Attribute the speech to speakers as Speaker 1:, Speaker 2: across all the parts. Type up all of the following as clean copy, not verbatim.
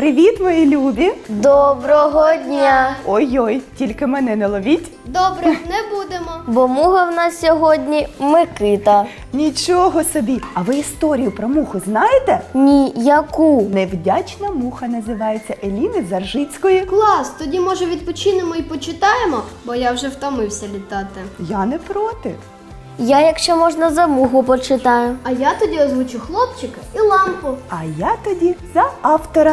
Speaker 1: Привіт, мої любі!
Speaker 2: Доброго дня!
Speaker 1: Ой-ой, тільки мене не ловіть.
Speaker 3: Добре, не будемо.
Speaker 2: Бо муха в нас сьогодні Микита.
Speaker 1: Нічого собі! А ви історію про муху знаєте?
Speaker 2: Ні, яку?
Speaker 1: Невдячна муха називається Еліни Заржицької.
Speaker 3: Клас, тоді може відпочинемо і почитаємо, бо я вже втомився літати.
Speaker 1: Я не проти.
Speaker 2: Я, якщо можна, за муху почитаю.
Speaker 3: А я тоді озвучу хлопчика і лампу.
Speaker 1: А я тоді за автора.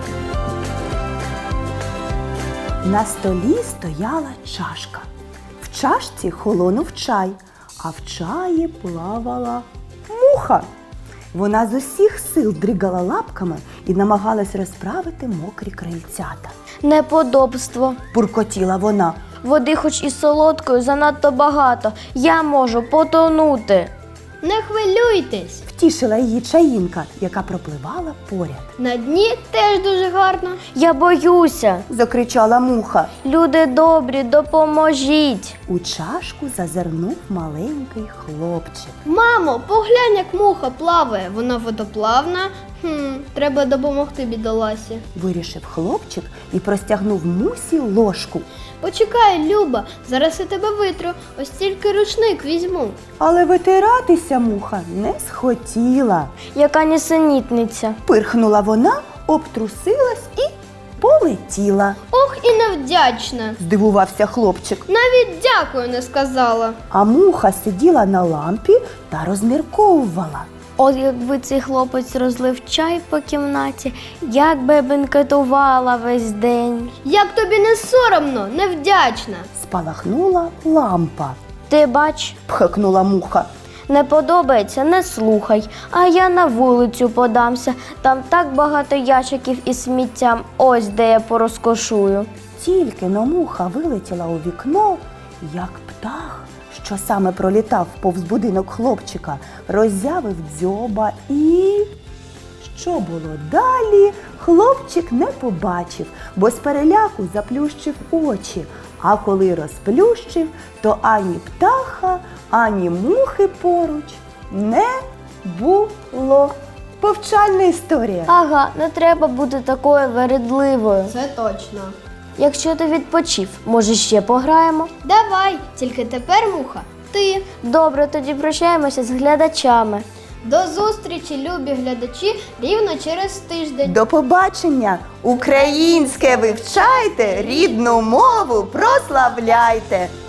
Speaker 1: На столі стояла чашка. В чашці холонув чай, а в чаї плавала муха. Вона з усіх сил дригала лапками і намагалась розправити мокрі крильцята.
Speaker 2: Неподобство.
Speaker 1: Буркотіла вона.
Speaker 2: Води хоч і солодкою занадто багато. Я можу потонути.
Speaker 3: Не хвилюйтесь.
Speaker 1: Втішила її чаїнка, яка пропливала поряд.
Speaker 3: На дні теж дуже гарно.
Speaker 2: Я боюся.
Speaker 1: Закричала муха.
Speaker 2: Люди добрі, допоможіть.
Speaker 1: У чашку зазирнув маленький хлопчик.
Speaker 3: Мамо, поглянь, як муха плаває. Вона водоплавна. Треба допомогти бідоласі.
Speaker 1: Вирішив хлопчик і простягнув мусі ложку.
Speaker 3: Почекай, Люба, зараз я тебе витру. Ось тільки рушник візьму.
Speaker 1: Але витиратися муха не схотіла.
Speaker 2: Яка нісенітниця.
Speaker 1: Пирхнула вона, обтрусилась і полетіла.
Speaker 3: Ох, і невдячна.
Speaker 1: Здивувався хлопчик.
Speaker 3: Навіть дякую не сказала.
Speaker 1: А муха сиділа на лампі та розмірковувала.
Speaker 2: От якби цей хлопець розлив чай по кімнаті, як би бенкетувала весь день.
Speaker 3: Як тобі не соромно, невдячна.
Speaker 1: Спалахнула лампа.
Speaker 2: Ти бач,
Speaker 1: Пхикнула муха.
Speaker 2: не подобається, не слухай, а я на вулицю подамся. Там так багато ящиків із сміттям, ось де я порозкошую.
Speaker 1: Тільки но муха вилетіла у вікно, як птах, що саме пролітав повз будинок хлопчика, роззявив дзьоба і... Що було далі, хлопчик не побачив, бо з переляку заплющив очі. А коли розплющив, то ані птаха, ані мухи поруч не було. Повчальна історія.
Speaker 2: Ага, не треба бути такою вередливою.
Speaker 3: Це точно.
Speaker 2: Якщо ти відпочив, може ще пограємо?
Speaker 3: Давай, тільки тепер, муха, ти.
Speaker 2: Добре, тоді прощаємося з глядачами.
Speaker 3: До зустрічі, любі глядачі, рівно через тиждень.
Speaker 1: До побачення! Українське вивчайте, рідну мову прославляйте!